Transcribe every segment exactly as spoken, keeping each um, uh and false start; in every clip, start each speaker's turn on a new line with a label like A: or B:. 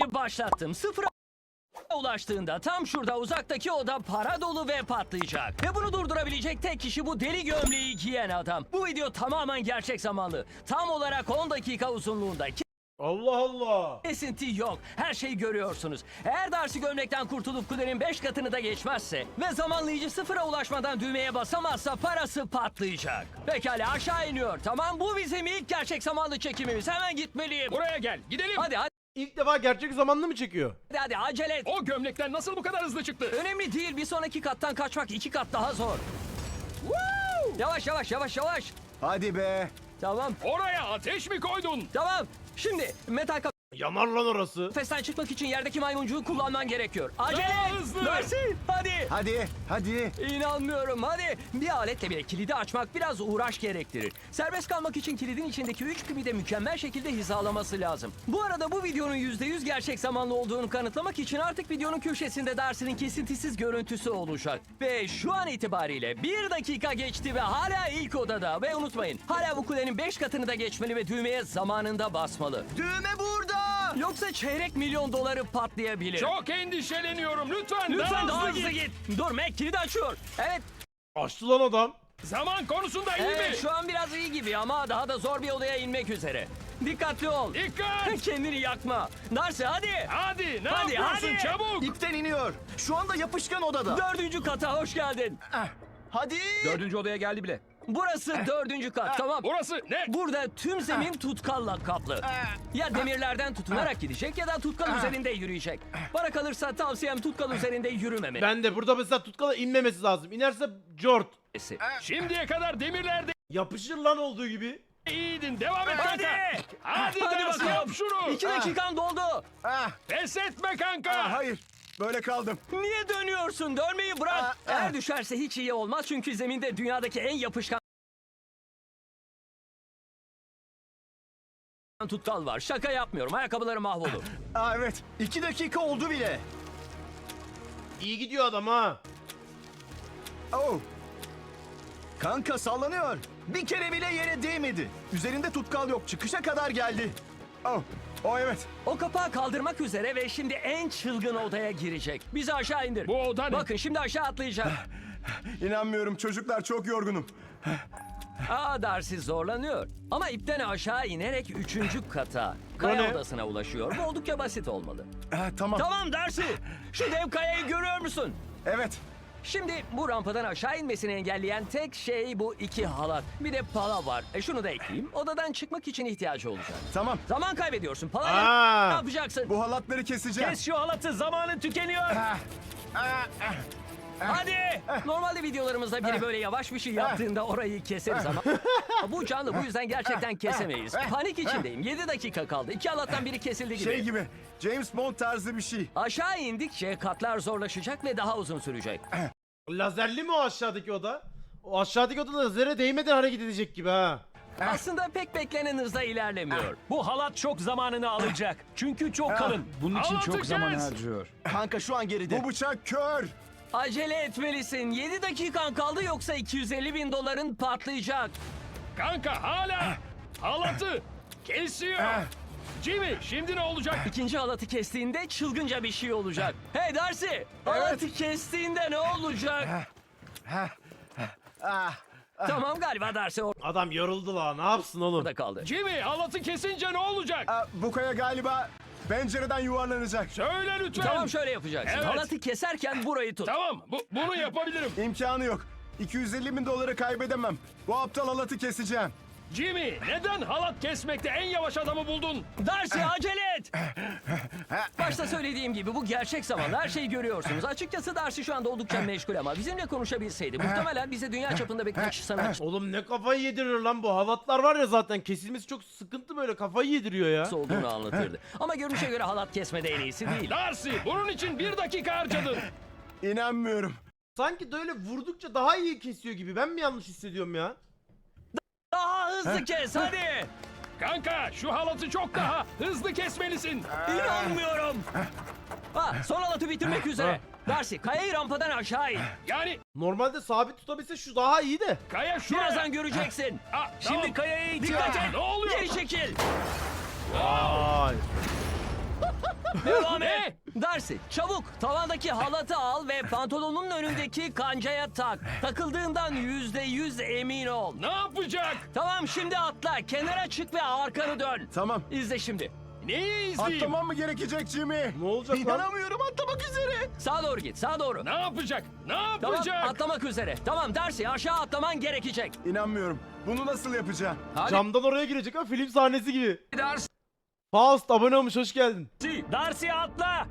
A: Düğmeyi başlattım. Sıfıra ulaştığında tam şurada uzaktaki oda para dolu ve patlayacak. Ve bunu durdurabilecek tek kişi bu deli gömleği giyen adam. Bu video tamamen gerçek zamanlı. Tam olarak on dakika uzunluğunda.
B: Allah Allah.
A: Kesinti yok. Her şeyi görüyorsunuz. Eğer Darcy gömlekten kurtulup kulenin beş katını da geçmezse ve zamanlayıcı sıfıra ulaşmadan düğmeye basamazsa parası patlayacak. Pekala aşağı iniyor. Tamam, bu bizim ilk gerçek zamanlı çekimimiz. Hemen gitmeliyim.
C: Buraya gel, gidelim.
A: Hadi hadi
B: İlk defa gerçek zamanlı mı çekiyor?
A: hadi acele et.
C: O gömlekten nasıl bu kadar hızlı çıktı?
A: Önemli değil, bir sonraki kattan kaçmak iki kat daha zor. Yavaş yavaş yavaş yavaş.
D: Hadi be.
A: Tamam
C: Oraya ateş mi koydun?
A: tamam. Şimdi metal
B: Yanar lan orası.
A: kafesten çıkmak için yerdeki maymuncuğu kullanman gerekiyor. Acele
C: Daha
A: et.
C: hızlı.
A: Darcy hadi.
D: Hadi. Hadi.
A: İnanmıyorum hadi. Bir aletle bile kilidi açmak biraz uğraş gerektirir. Serbest kalmak için kilidin içindeki üç pimi de mükemmel şekilde hizalaması lazım. Bu arada bu videonun yüzde yüz gerçek zamanlı olduğunu kanıtlamak için artık videonun köşesinde Darcy'nin kesintisiz görüntüsü olacak. Ve şu an itibariyle bir dakika geçti ve hala ilk odada. Ve unutmayın, hala bu kulenin beş katını da geçmeli ve düğmeye zamanında basmalı.
D: Düğme burada.
A: Yoksa çeyrek milyon doları patlayabilir.
C: Çok endişeleniyorum. Lütfen,
A: Lütfen
C: daha hızlı git.
A: git. Dur Mac, kilidi açıyor. Evet.
B: Açtı lan adam.
C: Zaman konusunda iyi
A: Evet,
C: mi?
A: şu an biraz iyi gibi ama daha da zor bir odaya inmek üzere. Dikkatli ol.
C: Dikkat.
A: Kendini yakma. Darcy hadi.
C: Hadi, ne
A: Hadi,
C: yapıyorsun
A: hadi.
C: çabuk?
D: İpten iniyor. Şu anda yapışkan odada.
A: Dördüncü kata hoş geldin.
D: Hadi.
C: Dördüncü odaya geldi bile.
A: Burası dördüncü kat, tamam.
C: Burası ne?
A: Burada tüm zemin tutkalla kaplı. Ya demirlerden tutunarak gidecek ya da tutkal üzerinde yürüyecek. Bana kalırsa tavsiyem tutkal üzerinde yürümemesi.
B: Ben de burada mesela tutkala inmemesi lazım. İnerse cort.
C: Şimdiye kadar demirlerde
B: Yapışır lan olduğu gibi.
C: iyiydin. Devam et
A: Hadi.
C: kanka. Hadi,
A: Hadi
C: Darcy,
A: bakalım.
C: yap şunu.
A: İki dakikan doldu.
D: Ah,
C: Pes etme kanka.
D: ah, hayır. Böyle kaldım.
A: Niye dönüyorsun? Dönmeyi bırak.
D: Aa,
A: Eğer
D: aa.
A: düşerse hiç iyi olmaz çünkü zeminde dünyadaki en yapışkan tutkal var. Şaka yapmıyorum. Ayakkabıları mahvolur.
D: Aa, evet. İki dakika oldu bile.
B: İyi gidiyor adam ha.
D: Oh. Kanka sallanıyor. Bir kere bile yere değmedi. Üzerinde tutkal yok. Çıkışa kadar geldi. Oh. Oh evet.
A: O kapağı kaldırmak üzere ve şimdi en çılgın odaya girecek. Bizi aşağı indir.
C: Bu oda ne?
A: Bakın şimdi aşağı atlayacak.
D: İnanmıyorum çocuklar, çok yorgunum.
A: Aa, Darcy zorlanıyor. Ama ipten aşağı inerek üçüncü kata,
B: O
A: kaya
B: ne?
A: odasına ulaşıyor. Bu oldukça basit olmalı.
D: Ah, tamam.
A: Tamam Darcy. Şu dev kayayı görüyor musun?
D: Evet.
A: Şimdi bu rampadan aşağı inmesini engelleyen tek şey bu iki halat. Bir de pala var. E şunu da ekleyeyim. Odadan çıkmak için ihtiyacı olacak.
D: Tamam.
A: Zaman kaybediyorsun. Pala
B: Aa.
A: ne yapacaksın?
D: Bu halatları keseceğim.
A: Kes şu halatı. Zamanın tükeniyor.
D: Ah, ah, ah.
A: Hadi. Normalde videolarımızda biri böyle yavaş bir şey yaptığında orayı keseriz ama bu canlı, bu yüzden gerçekten kesemeyiz. Panik içindeyim. yedi dakika kaldı. İki halattan biri kesildi gibi.
D: Şey gibi. James Bond tarzı bir şey.
A: Aşağı indikçe katlar zorlaşacak ve daha uzun sürecek.
B: Lazerli mi o aşağıdaki oda? O aşağıdaki oda lazere değmeden hareket edecek gibi ha.
A: Aslında pek beklenen hızda ilerlemiyor.
E: Bu halat çok zamanını alacak. Çünkü çok kalın. Bunun için
C: Halatı
E: çok zaman
C: kes.
E: harcıyor.
D: Kanka şu an geride. Bu bıçak kör.
A: Acele etmelisin. yedi dakikan kaldı yoksa iki yüz elli bin doların patlayacak.
C: Kanka hala halatı kesiyor. Jimmy, şimdi ne olacak?
A: İkinci halatı kestiğinde çılgınca bir şey olacak. Hey Darcy! Halatı kestiğinde ne olacak?
D: Ah.
A: Tamam, galiba Darcy
B: Adam yoruldu la. Ne yapsın oğlum?
A: orada kaldı.
C: Jimmy, halatı kesince ne olacak?
D: Ah, bu kaya galiba pencereden yuvarlanacak.
C: Söyle lütfen.
A: Tamam, şöyle yapacaksın.
C: Evet.
A: Halatı keserken burayı tut.
C: Tamam, bu, bunu yapabilirim.
D: İmkanı yok. iki yüz elli bin doları kaybedemem. Bu aptal halatı keseceğim.
C: Jimmy, neden halat kesmekte en yavaş adamı buldun?
A: Darcy acele et! Başta söylediğim gibi bu gerçek zamanlı, her şeyi görüyorsunuz. Açıkçası Darcy şu anda oldukça meşgul ama bizimle konuşabilseydi muhtemelen bize dünya çapında birkaç sanatçı
B: Oğlum ne kafayı yedirir lan bu. Halatlar var ya zaten kesilmesi çok sıkıntı, böyle kafayı yediriyor ya.
A: olduğunu anlatırdı. Ama görünüşe göre halat kesmede en iyisi değil.
C: Darcy, bunun için bir dakika harcadın.
D: İnanmıyorum.
B: Sanki böyle vurdukça daha iyi kesiyor gibi. Ben mi yanlış hissediyorum ya?
A: Daha hızlı kes hadi!
C: Kanka, şu halatı çok daha hızlı kesmelisin.
A: İnanmıyorum! Ha, son halatı bitirmek üzere. Darcy, kayayı rampadan aşağı in.
C: Yani
B: Normalde sabit tutabilse şu daha iyi de.
C: kaya şuraya.
A: Birazdan göreceksin.
C: Aa,
A: Şimdi
C: tamam.
A: kayaya dikkat et.
C: Ne oluyor?
A: Geri çekil.
B: Ay.
A: Devam et. Darcy çabuk tavandaki halatı al ve pantolonun önündeki kancaya tak. Takıldığından yüzde yüz emin ol.
C: Ne yapacak?
A: Tamam şimdi atla. Kenara çık ve arkanı dön.
D: Tamam.
A: İzle şimdi.
C: Neyi izleyeyim?
D: Atlamam mı gerekecek Jimmy?
B: Ne olacak lan?
D: İnanamıyorum, atlamak üzere.
A: Sağa doğru git. Sağa doğru.
C: Ne yapacak? Ne
A: Tamam
C: yapacak?
A: atlamak üzere. Tamam Darcy aşağı atlaman gerekecek.
D: İnanmıyorum. Bunu nasıl yapacağım?
B: Camdan oraya girecek ha, film sahnesi gibi.
E: Darcy.
B: Faust abone olmuş, hoş geldin.
E: Darcy atla.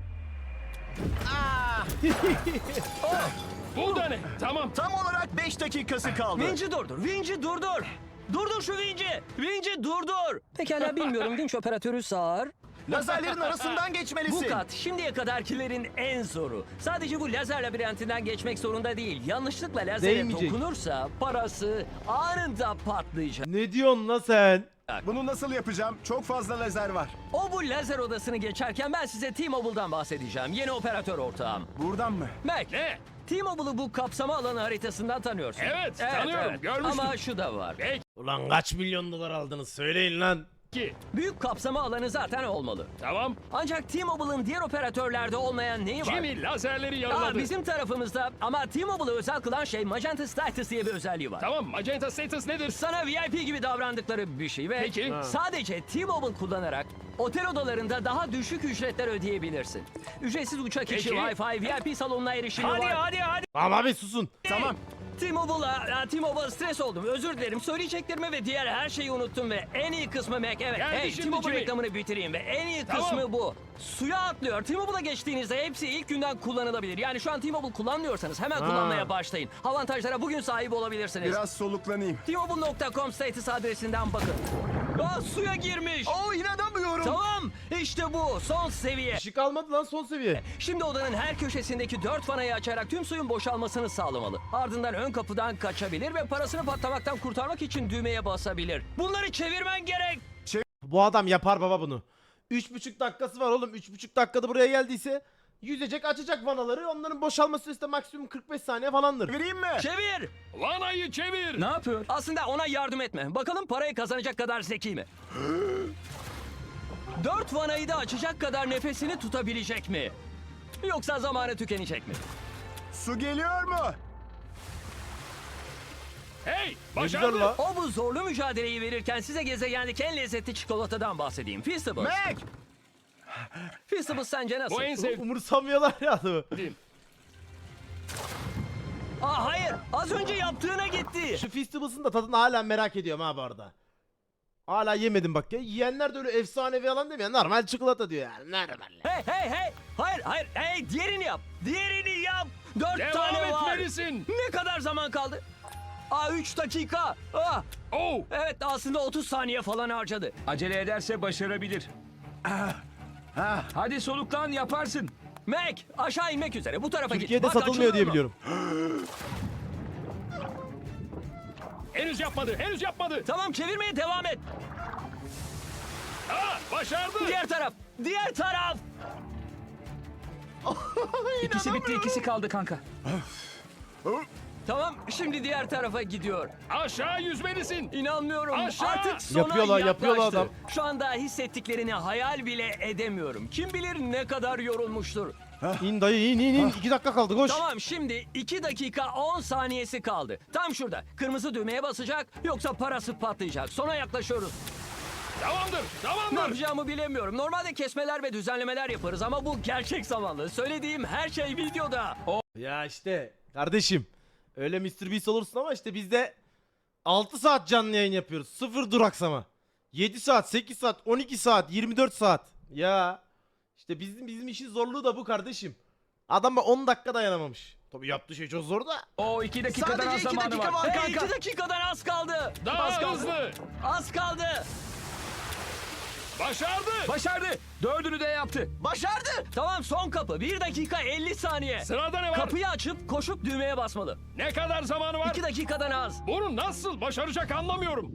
C: Bu da ne? Tamam.
D: Tam olarak beş dakikası kaldı.
A: Vinci durdur. Vinci durdur. Durdur şu Vinci. Vinci durdur. Pekala bilmiyorum. Vinç operatörü sağır.
D: Lazerlerin arasından
A: Bu
D: geçmelisin.
A: kat şimdiye kadarkilerin en zoru. Sadece bu lazer labirentinden geçmek zorunda değil. Yanlışlıkla lazere
B: Değmeyecek.
A: dokunursa parası anında patlayacak.
B: Ne diyorsun lan sen?
D: Bunu nasıl yapacağım? Çok fazla lazer var.
A: O bu lazer odasını geçerken ben size T-Mobile'dan bahsedeceğim. Yeni operatör ortağım.
D: Buradan mı?
A: Mac.
C: Ne?
A: T-Mobile'ı bu kapsama alanı haritasından tanıyorsun.
C: Evet, tanıyorum, görmüştüm.
A: Ama şu da var.
B: Ulan kaç milyon dolar aldınız söyleyin lan.
C: Peki.
A: Büyük kapsama alanı zaten olmalı.
C: Tamam.
A: Ancak T-Mobile'ın diğer operatörlerde olmayan neyi var?
C: Jimmy lazerleri
A: Aa,
C: yaraladı.
A: bizim tarafımızda ama T-Mobile'ı özel kılan şey Magenta Status diye bir özelliği var.
C: Tamam, Magenta Status nedir?
A: Sana V I P gibi davrandıkları bir şey ve
C: Peki. Ha.
A: sadece T-Mobile kullanarak otel odalarında daha düşük ücretler ödeyebilirsin. Ücretsiz uçak içi
C: Peki.
A: Wi-Fi, V I P salonuna erişimi
E: Hadi
A: var.
E: hadi hadi.
B: Tamam abi susun.
D: Tamam.
A: T-Mobile'a, T-Mobile stres oldum. Özür dilerim. Söyleyeceklerimi ve diğer her şeyi unuttum ve en iyi kısmı Mac. Evet,
C: Geldi
A: hey,
C: şimdi
A: T-Mobile
C: Jimmy.
A: reklamını bitireyim ve en iyi
C: Tamam.
A: kısmı bu. Suya atlıyor. T-Mobile'a geçtiğinizde hepsi ilk günden kullanılabilir. Yani şu an T-Mobile kullanmıyorsanız hemen
B: Ha.
A: kullanmaya başlayın. Avantajlara bugün sahip olabilirsiniz.
D: Biraz soluklanayım.
A: T Mobile nokta com status adresinden bakın. Aa, suya girmiş.
D: Oo, inanamıyorum.
A: Tamam, işte bu son seviye.
B: Işık almadı lan, son seviye.
A: Şimdi odanın her köşesindeki dört vanayı açarak tüm suyun boşalmasını sağlamalı. Ardından ön kapıdan kaçabilir ve parasını patlamaktan kurtarmak için düğmeye basabilir. Bunları çevirmen gerek.
B: Bu adam yapar baba bunu. Üç buçuk dakikası var oğlum. Üç buçuk dakikada buraya geldiyse yüzecek, açacak vanaları. Onların boşalma süresi de maksimum kırk beş saniye falandır.
D: Vereyim mi?
A: Çevir.
C: Vanayı çevir.
E: Ne yapıyor?
A: Aslında ona yardım etme. Bakalım parayı kazanacak kadar zeki mi? Dört vanayı da açacak kadar nefesini tutabilecek mi? Yoksa zamanı tükenecek mi?
D: Su geliyor mu?
C: Hey,
B: Ne güzel
C: başardı.
B: la.
A: O bu zorlu mücadeleyi verirken size gezegendeki en lezzetli çikolatadan bahsedeyim. Feastables.
D: Mac!
A: Feastables sence nasıl?
C: Bu en sevdiğim.
B: Umursamıyorlar ya adamı.
A: Aa hayır, az önce yaptığına gitti.
B: Şu Feastables'ın da tadını hala merak ediyorum ha bu arada. Hala yemedim bak ya. Yiyenler de öyle efsanevi alan demiyor. Normal çikolata diyor yani. Normal.
A: Hey hey hey. Hayır hayır. Hey diğerini yap. Diğerini yap. Dört
C: Devam
A: tane var.
C: etmelisin.
A: Ne kadar zaman kaldı? Aa üç dakika. Aa,
C: Oh,
A: evet aslında otuz saniye falan harcadı.
E: Acele ederse başarabilir.
D: Ha,
E: Hadi soluklan yaparsın.
A: Mac aşağı inmek üzere. Bu tarafa git.
B: Türkiye'de
A: Bak,
B: satılmıyor diye
A: açılıyor mu?
B: biliyorum.
C: henüz yapmadı, henüz yapmadı.
A: Tamam çevirmeye devam et.
C: Aa, başardı.
A: Diğer taraf. Diğer taraf.
E: İkisi bitti ikisi kaldı kanka.
A: Tamam şimdi diğer tarafa gidiyor.
C: Aşağı yüzmelisin.
A: İnanmıyorum.
C: Aşağı!
A: Artık sona
B: Yapıyorlar, yapıyorlar
A: yaklaştı.
B: adam.
A: Şu anda hissettiklerini hayal bile edemiyorum. Kim bilir ne kadar yorulmuştur.
B: İn dayı in in in. İki dakika kaldı koş.
A: Tamam şimdi iki dakika on saniyesi kaldı. Tam şurada. Kırmızı düğmeye basacak yoksa parası patlayacak. Sona yaklaşıyoruz.
C: Tamamdır,
A: Ne
C: tamamdır.
A: yapacağımı bilemiyorum. Normalde kesmeler ve düzenlemeler yaparız ama bu gerçek zamanlı. Söylediğim her şey videoda.
B: Ya işte kardeşim. Öyle mister Beast olursun ama işte biz de altı saat canlı yayın yapıyoruz. Sıfır duraksama. yedi saat, sekiz saat, on iki saat, yirmi dört saat. Ya işte bizim bizim işin zorluğu da bu kardeşim. Adam bak on dakika dayanamamış. Tabii yaptığı şey çok zor da.
E: O iki dakikadan
D: Sadece
E: az
D: iki
E: zamanı
D: dakika
E: var.
D: var.
A: Hey
D: kanka.
A: iki dakikadan az kaldı.
C: Daha
A: az kaldı.
C: hızlı.
A: Az kaldı.
C: Başardı.
E: Başardı. Dördünü de yaptı.
D: başardı.
A: Tamam son kapı. bir dakika elli saniye.
C: Sırada ne var?
A: Kapıyı açıp koşup düğmeye basmalı.
C: Ne kadar zamanı var?
A: iki dakikadan az.
C: Bunu nasıl başaracak anlamıyorum.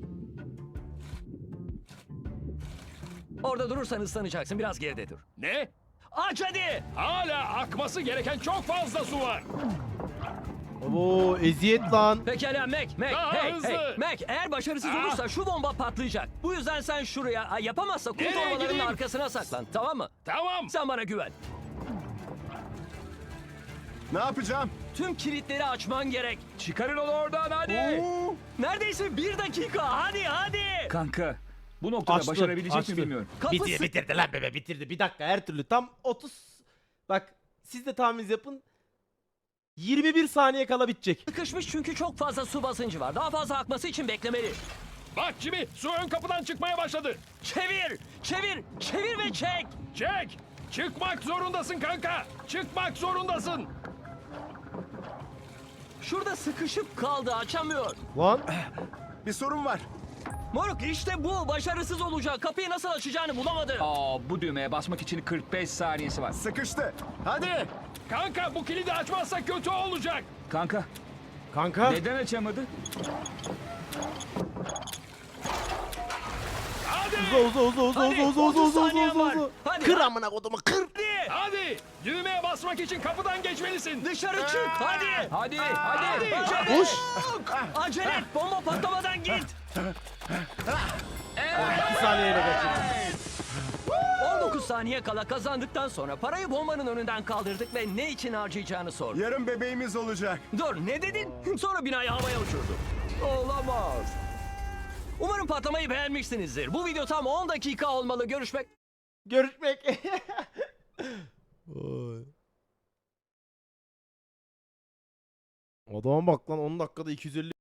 A: Orada durursan ıslanacaksın. Biraz geride dur.
C: Ne?
A: Aç hadi.
C: Hala akması gereken çok fazla su var.
B: Oo eziyet lan.
A: Pekala Mac, Mac,
C: Daha
A: hey,
C: hızlı.
A: hey, Mac, eğer başarısız
C: Ah.
A: olursa şu bomba patlayacak. Bu yüzden sen şuraya, ha, yapamazsa kum
C: Nereye
A: torbalarının
C: gideyim?
A: arkasına saklan, tamam mı?
C: Tamam.
A: Sen bana güven.
D: Ne yapacağım?
A: Tüm kilitleri açman gerek.
E: Çıkarın onu oradan hadi.
D: Oo,
A: Neredeyse bir dakika, hadi hadi.
E: Kanka bu noktada
B: Açtı,
E: başarabilecek
B: açtı.
E: mi bilmiyorum.
A: Kapısı...
B: Bitirdi bitirdi lan bebe bitirdi. Bir dakika her türlü tam otuz. Bak siz de tahmin yapın. yirmi bir saniye kala bitecek.
A: Sıkışmış çünkü çok fazla su basıncı var. Daha fazla akması için beklemeli.
C: Bak Jimmy, su ön kapıdan çıkmaya başladı.
A: Çevir, çevir, çevir ve çek.
C: Çek. Çıkmak zorundasın kanka. Çıkmak zorundasın.
A: Şurada sıkışıp kaldı, açamıyor.
B: Lan
D: bir sorun var.
A: Moruk işte bu, başarısız olacak. Kapıyı nasıl açacağını bulamadı.
E: Aa bu düğmeye basmak için kırk beş saniyesi var.
D: Sıkıştı. Hadi.
C: Kanka bu kilidi açmazsak kötü olacak.
E: Kanka
B: kanka.
E: neden açamadı?
C: Hadi.
B: Uza uza uza uza
A: Hadi,
B: uza uza uza
A: otuz
B: uza uza
A: saniyen
B: uza
A: var.
B: uza.
A: Hadi,
B: Kır
A: hadi.
B: amına kodumu kır.
A: Hadi.
C: Hadi. Düğmeye basmak için kapıdan geçmelisin.
A: Dışarı çık, hadi.
E: Hadi hadi.
C: Hadi.
B: Koş.
A: Acele et, bomba patlamadan git.
B: iki saniyeyle kaçır.
A: on dokuz saniye kala kazandıktan sonra parayı bombanın önünden kaldırdık ve ne için harcayacağını sorduk.
D: Yarın bebeğimiz olacak.
A: Dur, ne dedin? Sonra binayı havaya uçurdu. Olamaz. Umarım patlamayı beğenmişsinizdir. Bu video tam on dakika olmalı. Görüşmek...
B: Görüşmek. Oy. Adama bak lan on dakikada iki yüz elli